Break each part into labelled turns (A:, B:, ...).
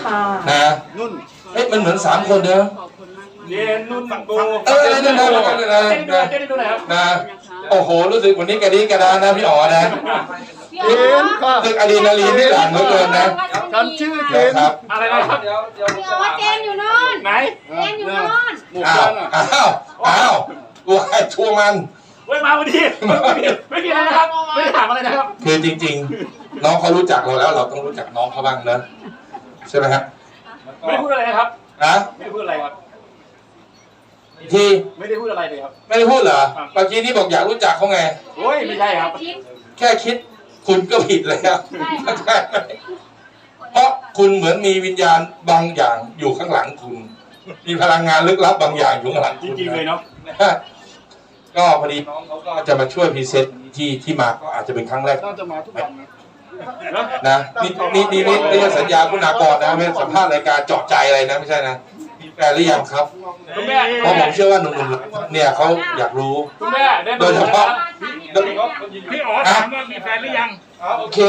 A: ค่ะ
B: นะนุ่นเฮ้ยมันเหมือน3 คนเด้อ
C: เย็นนุ่นกู
B: นั่นนะนะโอ้โหรู้สึกวันนี้กระดิ่งกระดานนะพี่อ๋อนะรู้สึกอะดรีนาลีนที่หลังเหลือเกินนะ
C: ฉันชื่อเจน
B: ครับ
C: อะไรนะครับ
D: เดี๋ยวเจนอยู่นู่น
C: ไหน
D: เจนอยู่นู่น
B: อ้าวตัวไอ้ชัวมัน
C: เว้ยมาวันนี้ไม่มีอะไรนะครับไม่ได้ถามอะไรนะครับ
B: คือจริงๆน้องเขารู้จักเราแล้วเราต้องรู้จักน้องเขาบ้างนะใช่ไหมครับ
C: ไม่ได้พูดอะไรนะครับไม่ได้พูดอะไรครับ
B: ที่
C: ไม่ได้พูดอะไรเลยครับ
B: ไม่ได้พูดเหรอเมื่อกี้นี่บอกอยากรู้จักเขาไง
C: โอ้ยไม่ใช่ครับ
B: แค่คิดคุณก็ผิดแล้วใช่เพราะคุณเหมือนมีวิญญาณบางอย่างอยู่ข้างหลังคุณมีพลังงานลึกลับบางอย่างอยู่ข้างหลัง
C: จริงๆเลยเนาะ
B: ก็พอดีน้องเขาก็จะมาช่วยพรีเซนต์ที่มาก็อาจจะเป็นครั้งแรก
C: น่าจะมาทุกวัน
B: นะนี่สัญญาคุณากรนะไม่สัมภาษณ์รายการเจาะใจอะไรนะไม่ใช่นะมีแฟนหรือยังครับเพราะผมเชื่อว่าหนุ่มๆเนี่ยเขาอยากรู้โดยเฉพาะ
C: พี่อ๋อถามว่ามีแฟนหรือยัง
B: โอเค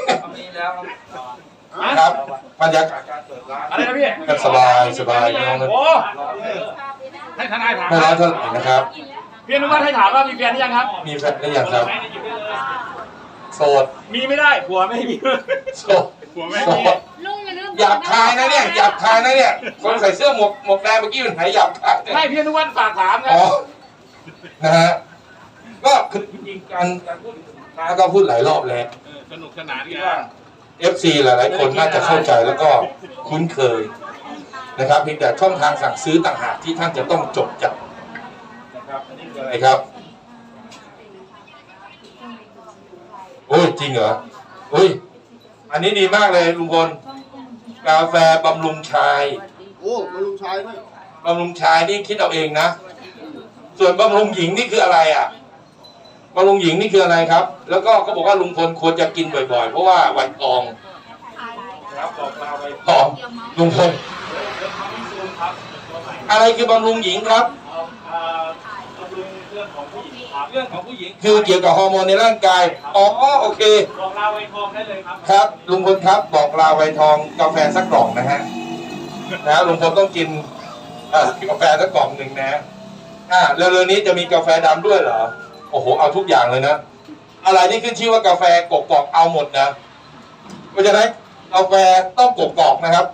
B: ครับบรรยากาศ
C: อะไรนะพี่
B: สบายน้องนะ
C: ให้ทนายถาม
B: ไม่ร้อนเท่าไหร่นะครับ
C: พี่อนุวัฒน์ให้ถามว่ามีแฟนหรือยังครับ
B: มีแฟนหรือยังครับโสด
C: มีไม่ได้ผัวไม่มี
B: โสดผัวไม่มีหยาบคายนะเนี่ยหยาบคายนะเนี่ยคนใส่เสื้อหมวกแดงเมื่อกี้มันหายหยาบคาย
C: ไม่พี่อนุวัฒน์ฝากถาม
B: นะฮะก็คือจริงๆการพูดแล้วก็พูดหลายรอบแล้ว
C: สนุกสนานกัน
B: FC หลายๆคนน่าจะเข้าใจแล้วก็คุ้นเคยนะครับเพียงแต่ช่องทางสั่งซื้อต่างหากที่ท่านจะต้องจดจำนะครับอันนี้คืออะไรครับโอ้ยจริงเหรอโอ้ยอันนี้ดีมากเลยลุงพลกาแฟบำรุงชาย
E: โอ้บำรุงชายด้วย
B: บำรุงชายนี่คิดเอาเองนะส่วนบำรุงหญิงนี่คืออะไรอ่ะบำรุงหญิงนี่คืออะไรครับแล้วก็เขาบอกว่าลุงพลควรจะกินบ่อยๆเพราะว่าไวทองครับบอกลาไวทองลุงพลอะไรคือบำรุงหญิงครับ
C: บำรุงเรื่องของผู้หญิงครับเรื่องของผู้หญิง
B: คือเกี่ยวกับฮอร์โมนในร่างกายอ๋อโอเค
C: บอกลาไวทองได้เลยครับ
B: ครับลุงพลครับบอกลาไวทองกาแฟสักกล่องนะฮะลุงพลต้องกินกาแฟสักกล่องหนึ่งนะเร็วๆนี้จะมีกาแฟดำด้วยเหรอโอ้โหเอาทุกอย่างเลยนะอะไรที่ขึ้นชื่อว่ากาแฟกกอกเอาหมดนะเพราะฉะนั้นกาแฟต้องกกอกนะครับ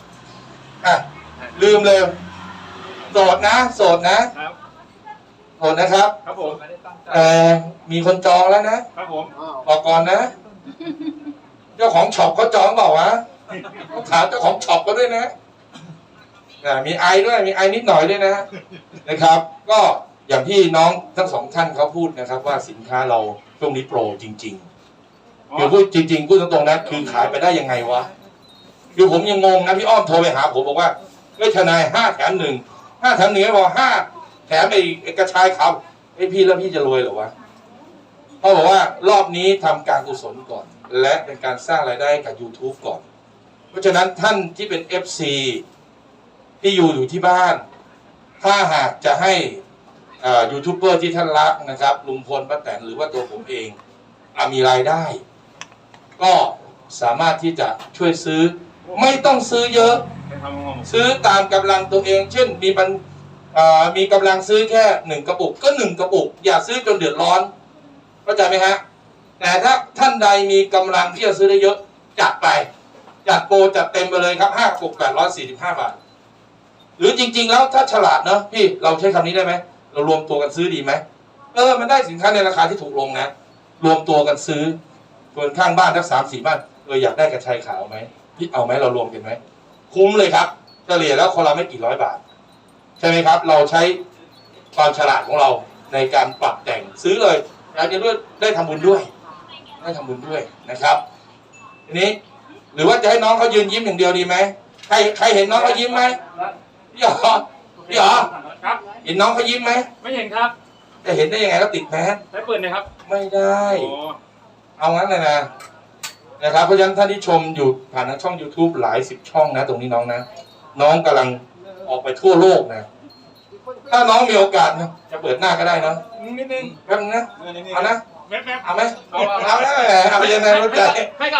B: ลืมเลยโสดนะโสดนะครับโสดนะครับ
C: ครับผม
B: มีคนจองแล้วนะครับ
C: ผม
B: บอกก่อนนะเจ้าของช็อปเขาจองเปล่าวะถามเจ้าของช็อปก็ด้วยนะมีไอด้วยมีไอนิดหน่อยด้วยนะครับก็อย่างที่น้องทั้งสองท่านเขาพูดนะครับว่าสินค้าเราช่วงนี้โปรจริงๆคือพูดจริงๆพูดตรงๆนะคือขายไปได้ยังไงวะคือผมยังงงนะพี่อ้อมโทรไปหาผมบอกว่าเฮ้ยทนาย5 แถม 1 5 แถม 1ไม่พอ5 แถมไอ้กระชายครับไอ้พี่แล้วพี่จะรวยเหรอวะเขาบอกว่ารอบนี้ทำการกุศลก่อนและเป็นการสร้างรายได้กับ YouTube ก่อนเพราะฉะนั้นท่านที่เป็น FC ที่อยู่ที่บ้านถ้าหากจะให้ยูทูบเบอร์ที่ท่านรักนะครับลุงพลป้าแตนหรือว่าตัวผมเองมีรายได้ก็สามารถที่จะช่วยซื้อไม่ต้องซื้อเยอะซื้อตามกำลังตัวเองเช่นมีกำลังซื้อแค่1 กระปุกก็1 กระปุกอย่าซื้อจนเดือดร้อนเข้าใจไหมฮะแต่ถ้าท่านใดมีกำลังที่จะซื้อได้เยอะจัดไปจัดโปรจัดเต็มไปเลยครับ5 กระปุก845 บาทหรือจริงๆแล้วถ้าฉลาดเนาะพี่เราใช้คำนี้ได้ไหมเรารวมตัวกันซื้อดีไหมมันได้สินค้าในราคาที่ถูกลงนะรวมตัวกันซื้อส่วนข้างบ้านทั้ง3-4 บ้านอยากได้กระชายขาวไหมพี่เอาไหมเรารวมกันไหมคุ้มเลยครับเฉลี่ยแล้วคนละไม่กี่100 บาทใช่ไหมครับเราใช้ความฉลาดของเราในการปรับแต่งซื้อเลยแล้วจะได้ทำบุญด้วยนะครับทีนี้หรือว่าจะให้น้องเขายืนยิ้มอย่างเดียวดีไหมใครเห็นน้องเขายิ้มไหมพี่อ๋อ
C: ครับ
B: เห็นน้องเขายิ้มไหม
C: ไม่เห็นครับ
B: จะเห็นได้ยังไงก็ติดแมส
C: ได้เปิดเลยครับ
B: ไม่ได้เอางั้นเลยนะครับเพราะฉะนั้นท่านที่ชมอยู่ผ่านทางช่อง YouTube หลาย10 ช่องนะตรงนี้น้องนะน้องกำลังออกไปทั่วโลกนะถ้าน้องมีโอกาสนะจะเปิดหน้าก็ได้นะ
C: นิดนึง
B: แป๊บนึงนะเอานะ
C: แป๊บ
B: เอาไหมเอาแล้วเอาไปยังไงรู้ใจ
C: ให้ก็เอาครับ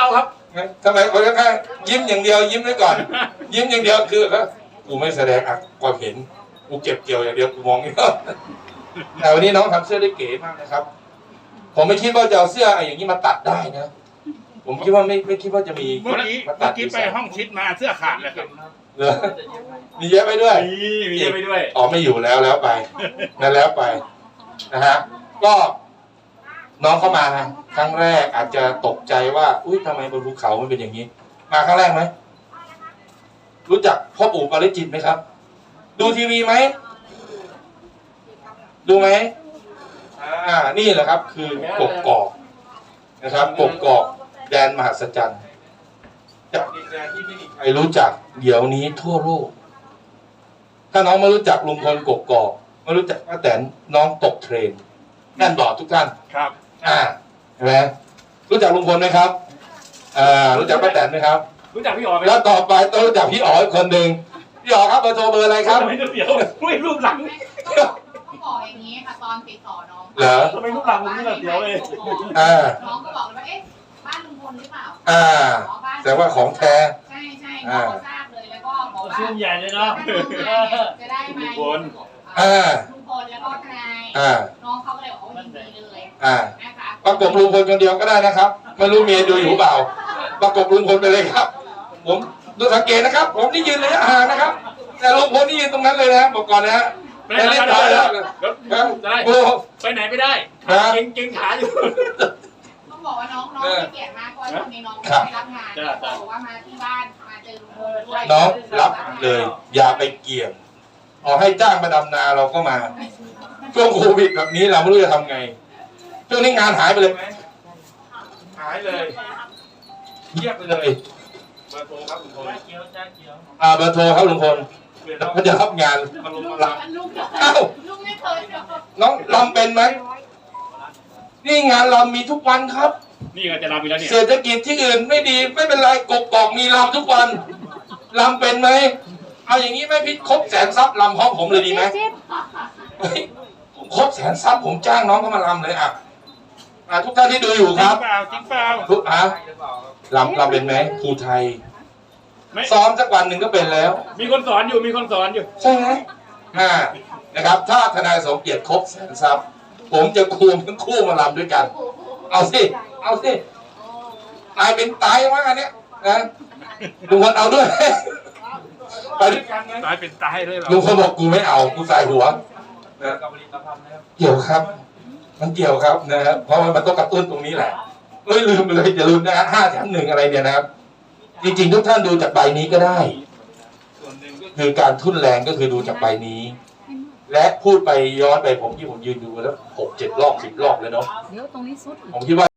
B: ทำไมคนข้างๆยิ้มอย่างเดียวยิ้มไว้ก่อน ยิ้มอย่างเดียวคือกูไม่แสดงความเห็นกูเก็บเกี่ยวอย่างเดียวกูมองไม่ออกแต่วันนี้น้องทำเสื้อได้เก๋มากนะครับ ผมไม่คิดว่าจะเอาเสื้ออย่างนี้มาตัดได้นะ ผมคิดว่าไม่คิดว่าจะมี
A: เมื่อกี้ไปห้องชิดมาเสื้อขาดเลยครับ
B: เหรอมีเยอะไปด้วย
C: มีเยอะไปด้วย
B: อ๋อไม่อยู่แล้วไปนั่นแล้วไปนะฮะก็น้องเข้ามาครั้งแรกอาจจะตกใจว่าอุ้ยทำไมบนภูเขามันเป็นอย่างนี้ มาครั้งแรกไหมรู้จักพ่อปู่ปาริจิตไหมครับ ดูทีวีไหมดูไหมนี่แหละครับ คือกกอกนะครับกกอกแดนมหัศจรรย์จากดินแดนที่ไม่มีใครรู้จักเดี๋ยวนี้ทั่วโลกถ้าน้องไม่รู้จักลุงพลกกอกไม่รู้จักป้าแตนน้องตกเทรนนั่นบอกทุกท่าน
A: ครับ
B: เห็นไหมรู้จักลุงพลไหมครับรู้จักป้าแตนไหมครับ
C: รู้จักพี่อ๋อไหม
B: แล้วต่อไปต้องรู้จักพี่อ๋ออีกคนหนึ่งพี่อ๋อครับเบอร์โทรเบอร์อะไรครับ
C: ทำไมเดี๋ยวไม่รูปหลัง
D: ต้องบอกอย่างนี้ค่ะตอนติดต่อน้อง
B: เหรอ
C: ทำไมรูปหลังผมนี่แบบเดียวเลย
D: น้องก็บอกเลยว่าเอ๊ะบ้านลุงพลหรือเปล่า
B: แต่ว่าของแท้
D: ใช่ใช่น้องก็ทราบเลยแล้วก็บอกว่า
C: ชื่นใหญ่เลยเนาะ
D: จะได้ไหม
C: ลุงพล
D: ลุงพลแล้วก็ทนายน้องเขาก็เลยบอกว่ายินดีเลยนะคะ
B: ประกบลุงพลคนเดียวก็ได้นะครับไม่รู้เมียดูอยู่เปล่าประกบลุงพลไปเลยครับ ผมดูสังเกตนะครับ ผมนี่ยืนระยะห่างนะครับ แต่ลุงพลนี่ยืนตรงนั้นเลยนะบอกก่อนนะฮะ
C: ไปไหนไม่ได้ไปไหนไม่ได้เก่งขาอยู่
D: ต้องบอกว่าน้องให้เกียรติมากเพราะว่าตอนนี้น้องไม่รับงานบอกว่ามาที่บ้านมาเจอลุงพลด้วย
B: น้องรับเลย อย่าไปเกี่ยงเอาให้จ้างมาดำนาเราก็มาช่วงโควิดแบบนี้เราไม่รู้จะทำไงช่วงนี้งานหายไปเลยไหมหายเลยเงียบไปเลยเบอร์โทรครับลุงพลเบอร์โทรครับลุงพลเขาจะรับงานมาลงมาลำ
D: ลุงไม่เคย
B: น้องลำเป็นไหมนี่งานลำมีทุกวันครับ
C: นี่ก็จะรับไปแล้วเนี่ย
B: เศรษฐกิจที่อื่นไม่ดีไม่เป็นไรกกอกมีลำทุกวันลำเป็นไหมเอาอย่างนี้ไหมพี่ครบแสนซับลำพร้อมผมเลยดีไหมผมครบแสนซับผมจ้างน้องเข้ามาลำเลยทุกท่านที่ดูอยู่ครับ
A: จริงเปล่า
B: ทุกลำเป็นไหมครูไทยซ้อมสักวันหนึ่งก็เป็นแล้ว
C: มีคนสอนอยู่มีคนสอนอยู่
B: ใช่ไหมนะครับถ้าทนายสมเกียรติครบแสนซับผมจะควงทั้งคู่มาลำด้วยกัน เอาสิตายเป็นตายมากอันเนี้ยนะลุงพลเอาด้วยไปด้วยกันไหม
A: ตายเป็นตายเลยเหรอ
B: ลุงพลบอกกูไม่เอากูใส่หัวนะเกี่ยวครับ มันเกี่ยวครับนะครับเพราะมันต้องกระตุ้นตรงนี้แหละลืมไปเลยอย่าลืมนะฮะ5 แถม 1อะไรเนี่ยนะครับจริงๆทุกท่านดูจากใบนี้ก็ได้คือการทุ่นแรงก็คือดูจากใบนี้ และพูดไปย้อนไปผมยืนดูแล้ว6-7 รอบ 10 รอบแล้วเนาะ
D: เดี๋ยวตรงนี้สุด
B: ผมคิดว่า